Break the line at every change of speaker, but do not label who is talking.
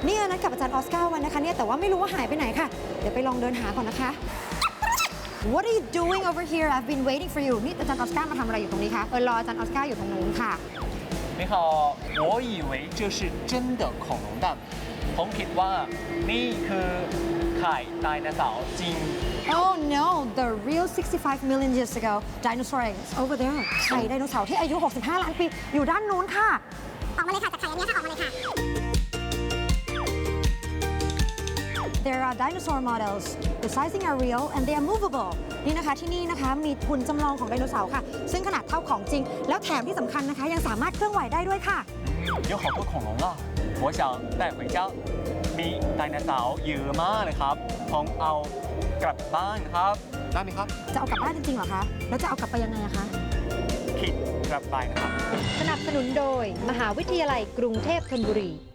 เนี่ยนัดกับอาจารย์ออสการ์วันนะคะเนี่ยแต่ว่าไม่รู้ว่าหายไปไหนค่ะเดี๋ยวไปลองเดินหาก่อนนะคะ What are you doing over here? I've been waiting for you นี่อาจารย์ออสการ์มาทำอะไรอยู่ตรงนี้คะรออาจารย์ออสการ์อยู่ตรงนู้นค่ะ
你好我以为这是真的恐龙蛋ผมคิดว่านี่คือไข่ไดโนเสาร์จริง
Oh no the real 65 million years ago dinosaur is over there ไข่ไดโนเสาร์ที่อายุ 65 ล้านปีอยู่ด้านนู้นค่ะ
ออกมาเลยค่ะจากไข่อันนี้ค่ะออกมาเลยค่ะ
There are dinosaur models the sizing are real and they are movable นี่นะคะที่นี่นะคะมีหุ่นจำลองของไดโนเสาร์ค่ะซึ่งขนาดเท่าของจริงแล้วแถมที่สำคัญนะคะยังสามารถเคลื่อนไหวได้ด้วยค่ะ
有好多恐龙啊我想带回家มีไดโนเสาร์เยอะมากเลยครับผมเอากลับบ้านครับได้ไหมครับ
จะเอากลับบ้านจริงๆเหรอคะแล้วจะเอากลับไปยังไงอะคะ
คิดกลับไปนะครับ
สนับสนุนโดยมหาวิทยาลัยกรุงเทพธนบุรี